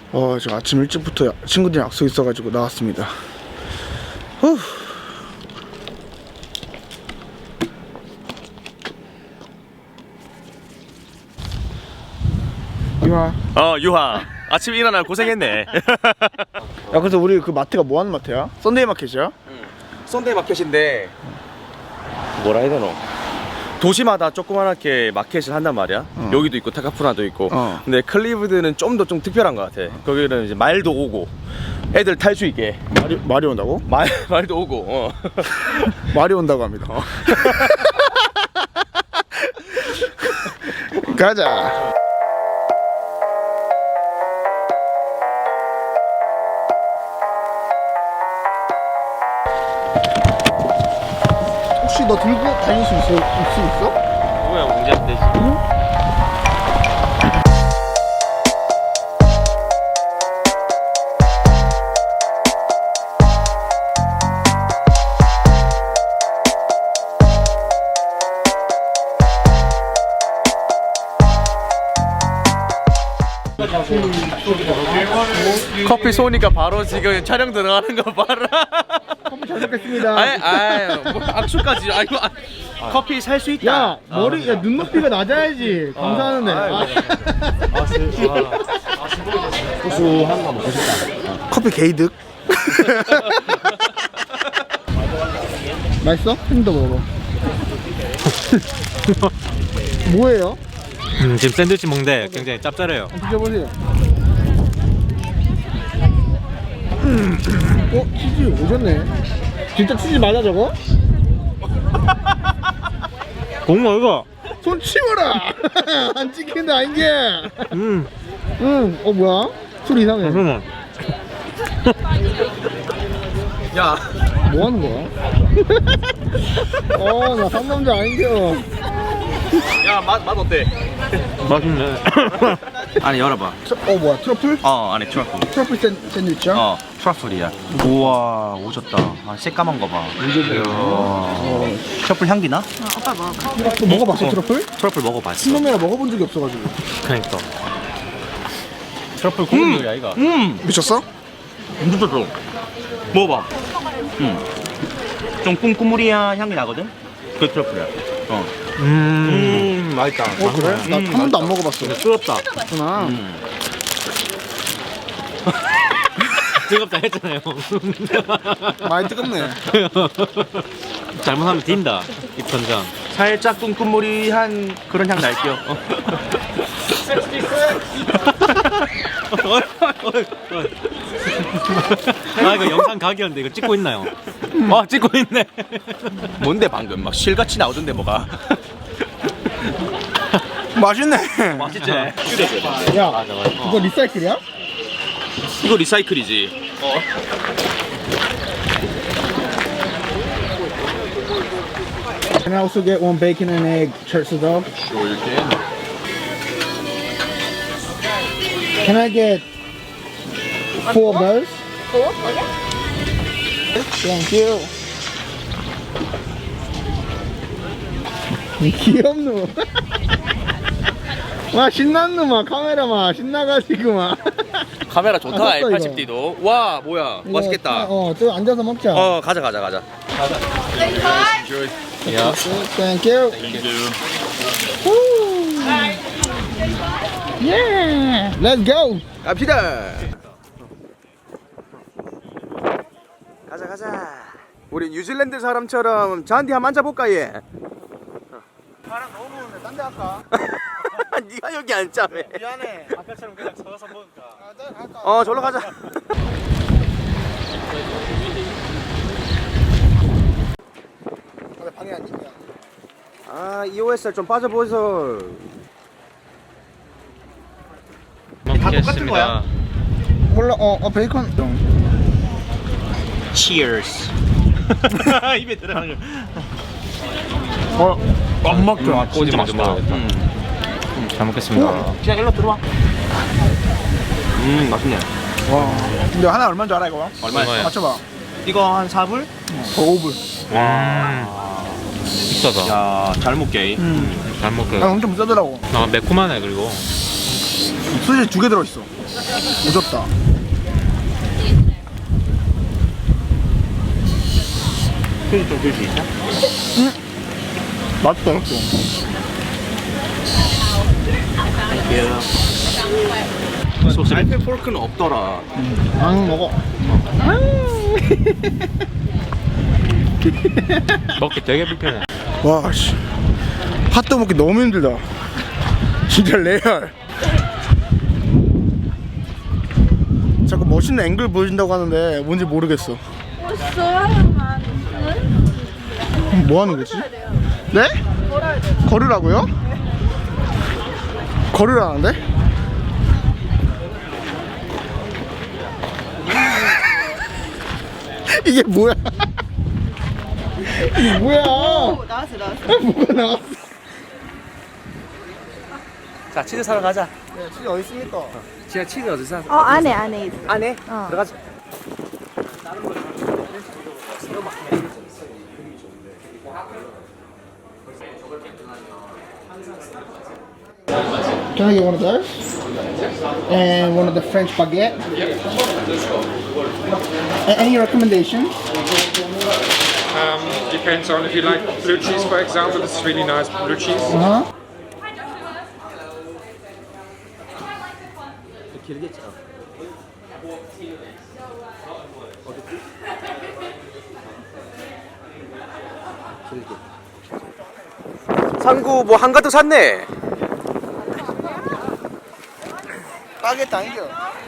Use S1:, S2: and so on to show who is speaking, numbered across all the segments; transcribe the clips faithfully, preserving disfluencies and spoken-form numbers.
S1: 어, 저 아침 일찍부터 친구들이랑 약속 있어가지고 나왔습니다. 후. 유하.
S2: 어 유하 아침에 일어나 고생했네.
S1: 야, 그래서 우리 그 마트가 뭐 하는 마트야? 썬데이 마켓이야?
S2: 응. 썬데이 마켓인데 뭐라 해야 되노? 도시마다 조그만하게 마켓을 한단 말이야.
S1: 어.
S2: 여기도 있고 타카푸나도 있고.
S1: 어.
S2: 근데 클리브드는 좀 더 좀 특별한 것 같아. 거기는 이제 말도 오고 애들 탈 수 있게
S1: 말이, 말이 온다고?
S2: 말 말도 오고. 어.
S1: 말이 온다고 합니다.
S2: 어.
S1: 가자. 혹시 너 들고 다닐 수 있어? 있, 있어?
S2: 뭐야 문제 안 되지.
S1: 응?
S2: 커피 쏘니까 바로 지금 촬영 들어가는 거 봐라.
S1: 커피 잘 먹겠습니다.
S2: 아이 아이 뭐 악수까지. 아이고 아, 커피 살 수 있다.
S1: 야, 머리, 야, 눈높이가 낮아야지. 감사하는데. 아,
S3: 고소한 거 먹고 싶다.
S1: 커피 게이득. 맛있어? 힘도 먹어. 뭐예요?
S3: 음, 지금 샌드위치 먹는데 굉장히 짭짤해요.
S1: 드셔보세요. 어? 치즈 오셨네. 진짜 치즈 맞아 저거?
S3: 공모 이거.
S1: 손 치워라. 안 찍힌다 아닌 게.
S3: 음,
S1: 응. 어 뭐야? 소리 이상해.
S3: 잠깐만.
S2: 야.
S1: 뭐 하는 거야? 어, 나 상남자 아닌겨.
S2: 야 맛 맛 어때?
S3: 맛있네.
S2: 안에 열어봐.
S1: 어 뭐야? 트러플?
S2: 어 안에 트러플.
S1: 트러플 샌, 샌드위치야?
S2: 어 트러플이야. 우와 오졌다. 아 새까만 거 봐.
S1: 어.
S2: 트러플 향기 나?
S1: 너 먹어봤어
S2: 어.
S1: 트러플?
S2: 트러플 먹어봤어.
S1: 신놈이라 먹어본 적이 없어가지고.
S3: 그러니까. 트러플 고급 요리야 이거.
S2: 음
S1: 미쳤어?
S2: 진짜 좋아. 먹어봐. 음. 좀 쿰쿰무리한 향이 나거든. 그 트러플이야. 어.
S3: 음,
S2: 음 맛있다.
S1: 어 그래? 나 한
S2: 음,
S1: 번도 안 먹어봤어.
S3: 뜨겁다.
S1: 그렇구나.
S2: 음.
S3: 뜨겁다 했잖아요.
S1: 많이 뜨겁네.
S3: 잘못하면 딘다. 입천장.
S2: 살짝 쿰쿰무리한 그런 향 날게요. 어.
S3: 아 이거 영상 각이었는데 이거 찍고 있나요? 아 찍고 있네.
S2: 뭔데 방금 막 실같이 나오던데 뭐가?
S1: 맛있네.
S2: 맛있지?
S1: 야,
S3: 맞아 맞아.
S1: 이거 리사이클이야?
S2: 이거 리사이클이지. 어.
S1: Can I also get one bacon and egg church dog?
S2: Sure you can.
S1: Can I get four of those?
S4: Four? Okay.
S1: Thank you. 귀엽노. 와 신난 놈아 카메라마 신나가지고 막.
S2: 카메라 좋다.
S1: 아, 샀어,
S2: 팔십 디도. 와 뭐야
S1: 이거
S2: 맛있겠다.
S1: 어, 또 앉아서 먹자.
S2: 어 가자 가자 가자.
S3: 야.
S1: Thank you. Woo. Yeah. Let's go.
S2: 갑시다. 가자 가자. 우리 뉴질랜드 사람처럼 잔디 한번 앉아볼까 얘.
S1: 바람 너무 부는데 딴 데 갈까?
S2: 네가 여기 앉자며.
S1: 미안해.
S3: 아까처럼 그냥 서서 먹을까?
S1: 아, 딴데 갈까?
S2: 어 저로 가자.
S1: 왜 방해 안 있냐?
S2: 아 이오에스알 좀 빠져보이소.
S3: 다
S2: 똑같은 거야?
S1: 몰라. 어, 어 베이컨.
S2: Cheers. 입에 들어가는 거.
S1: 어, 안 먹죠.
S3: 꼬지 먼저 먹어야겠다.
S2: 음.
S3: 잘 먹겠습니다.
S2: 그냥 일로 들어와. 음 맛있네.
S1: 와. 근데 하나 얼마인 줄 알아 이거?
S3: 얼마야?
S1: 맞춰봐.
S2: 이거 한 사 불?
S1: 더 오 불.
S3: 와. 비싸다.
S2: 야, 잘 먹게.
S1: 음.
S3: 잘 먹게.
S1: 아, 엄청 비싸더라고.
S3: 아 매콤하네 그리고.
S1: 소시지 두 개 들어있어. 오졌다.
S2: 소시지 좀 줄 수 있나?
S1: 맛있다, 맛있어.
S2: 소스 알펜 포크는 없더라.
S1: 안 먹어.
S3: 먹기 되게 불편해.
S1: 와, 씨. 핫도그 먹기 너무 힘들다. 진짜 레알. 자꾸 멋있는 앵글 보여준다고 하는데 뭔지 모르겠어. 뭐 하는 거지? 네? 걸으라고요? 걸으라는데? 이게 뭐야? 이게 뭐야?
S4: 나왔어 나왔어.
S1: 뭐가 나왔어?
S2: 자, 치즈 사러 가자.
S1: 네, 치즈 어디 있습니까?
S2: 지아 치즈 어디서 사?
S4: 어 안에 안에 있어.
S2: 안에?
S4: 어.
S2: 들어가자.
S1: Can I get one of those? And one of the French baguette. A- Any recommendations?
S5: Um, depends on if you like blue cheese, for example. This is really nice blue cheese.
S1: Uh huh.
S2: 상구 뭐 한가득 샀네.
S1: 바게트 아니죠?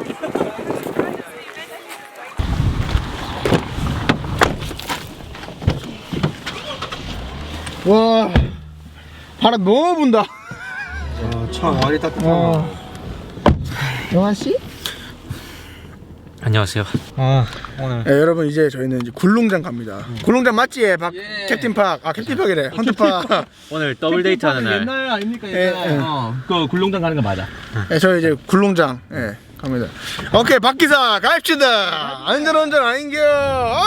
S1: 와, 바람 너무 분다.
S2: 참 와리 따뜻한.
S1: 와. 영환 씨?
S3: 안녕하세요. 아 오늘
S1: 네, 여러분 이제 저희는 이제 굴롱장 갑니다. 굴롱장 맞지? 박 캡틴 팍. 아 캡틴 팍이래. 헌트 팍.
S3: 오늘 더블 데이트 하는 날.
S2: 옛날 아닙니까?
S1: 예, 예.
S3: 어, 그 굴룡장 가는 거 맞아.
S1: 네, 저희 이제 굴롱장 예 갑니다. 오케이 박기사 가입시다. 안전운전 아닌겨. 아!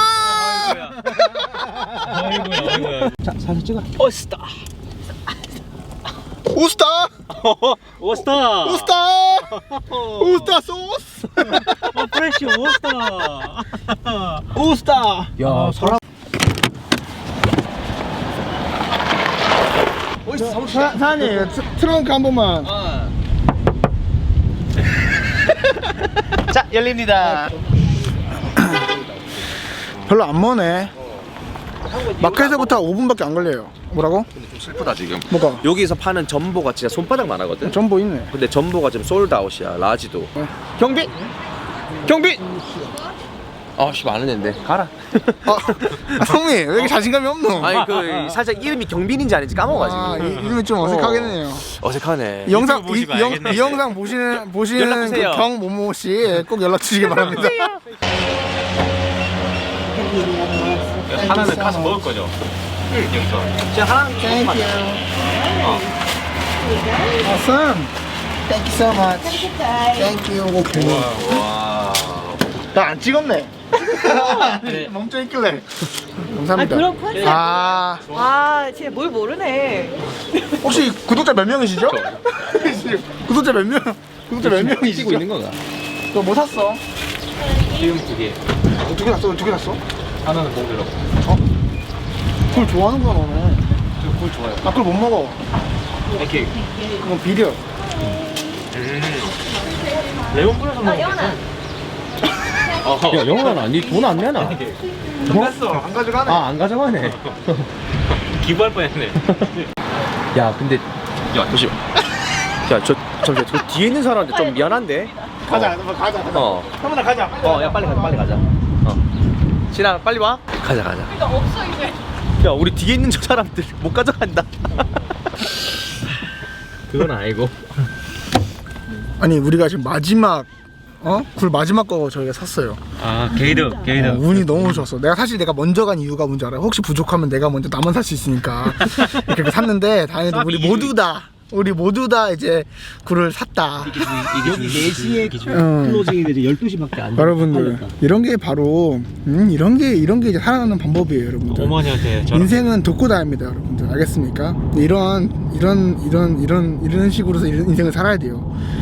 S3: 아이고야, 아이고야. 자, 사진 찍어. 오스타.
S1: 우스타
S3: 오스타.
S1: 우스타 우스타 소스.
S3: 어, 프레쉬 오스타.
S1: 우스타.
S2: 야, 사람.
S1: 사, 사장님 트- 트렁크 한 번만.
S2: 자, 열립니다.
S1: 별로 안 머네. 마켓에서부터 오 분밖에 안 걸려요. 뭐라고?
S2: 근데 좀 슬프다 지금.
S1: 뭐가?
S2: 여기서 파는 전보가 진짜 손바닥만 하거든.
S1: 전보 있네.
S2: 근데 전보가 지금 솔드아웃이야. 라지도. 경비. 경비. 아씨 많은 앤데 가라.
S1: 아, 아 성미 왜 이렇게 자신감이 없노?
S2: 아니 그 살짝 이름이 경빈인지 아닌지 까먹어가지고.
S1: 아, 이- 이름이 좀 어색하겠네요.
S2: 어색하네.
S1: 이 영상 이,
S3: 보시고
S1: 이, 영,
S3: 알겠네.
S1: 이 영상 보시는 보시는
S2: 연락 주세요.
S1: 그 경모모 씨 꼭 연락 주시기 바랍니다.
S3: 하나는 가서 먹을 거죠. 응, 여기서.
S2: 진짜 하나는
S1: Thank you. Awesome. Thank you so much. Thank you. 오케이.
S2: 와.
S1: 나 안 찍었네. 멈춰 있길래. 감사합니다.
S4: 아, 그런 컨셉.
S1: 아,
S4: 와 진짜 뭘 모르네.
S1: 혹시 구독자 몇 명이시죠? 구독자 몇 명? 구독자 몇 명이시죠?
S2: 찍고 있는 거가.
S1: 너 뭐 샀어?
S3: 지금 두 개.
S1: 두 개 샀어? 두 개 샀어?
S3: 하나는 먹으려고.
S1: 어? 그걸 좋아하는구나 너네.
S3: 저 그걸 좋아요.
S1: 나 그걸 못 먹어.
S3: 이렇게
S1: 그건 비려.
S3: 레몬 뿌려서 먹는 거.
S2: 야 영환아, 니 돈 안 내나?
S1: 먹었어. 안 가져가네.
S2: 아 안 가져가네.
S3: 기부할 뻔했네.
S2: 야 근데 야 잠시만. 야저 잠시만 저 뒤에 있는 사람한테 좀 미안한데.
S1: 가자, 가자, 가자. 가자.
S2: 어.
S1: 한번더 가자.
S2: 어, 야 빨리 가자, 빨리 가자. 어. 진아, 빨리 와. 가자, 가자.
S4: 이거 없어 이제.
S2: 야, 우리 뒤에 있는 저 사람들 못 가져간다.
S3: 그건 아니고.
S1: 아니 우리가 지금 마지막 어? 굴 마지막 거 저희가 샀어요.
S3: 아 게이드, 게이드.
S1: 어, 운이 너무 좋았어. 내가 사실 내가 먼저 간 이유가 뭔지 알아요? 혹시 부족하면 내가 먼저 나만 살 수 있으니까 이렇게 샀는데 다행히도 우리 모두 다 우리 모두 다 이제 굴을 샀다.
S3: 이게 네 시에
S1: 응.
S3: 클로징인데 이제 열두 시밖에 안 돼.
S1: 여러분들 이런 게 바로 음, 이런 게 이런 게 이제 살아가는 방법이에요, 여러분들.
S3: 어머니한테 저랑
S1: 인생은 돕고 다닙니다, 여러분들. 알겠습니까? 이런 이런 이런 이런 이런 식으로서 이런 인생을 살아야 돼요.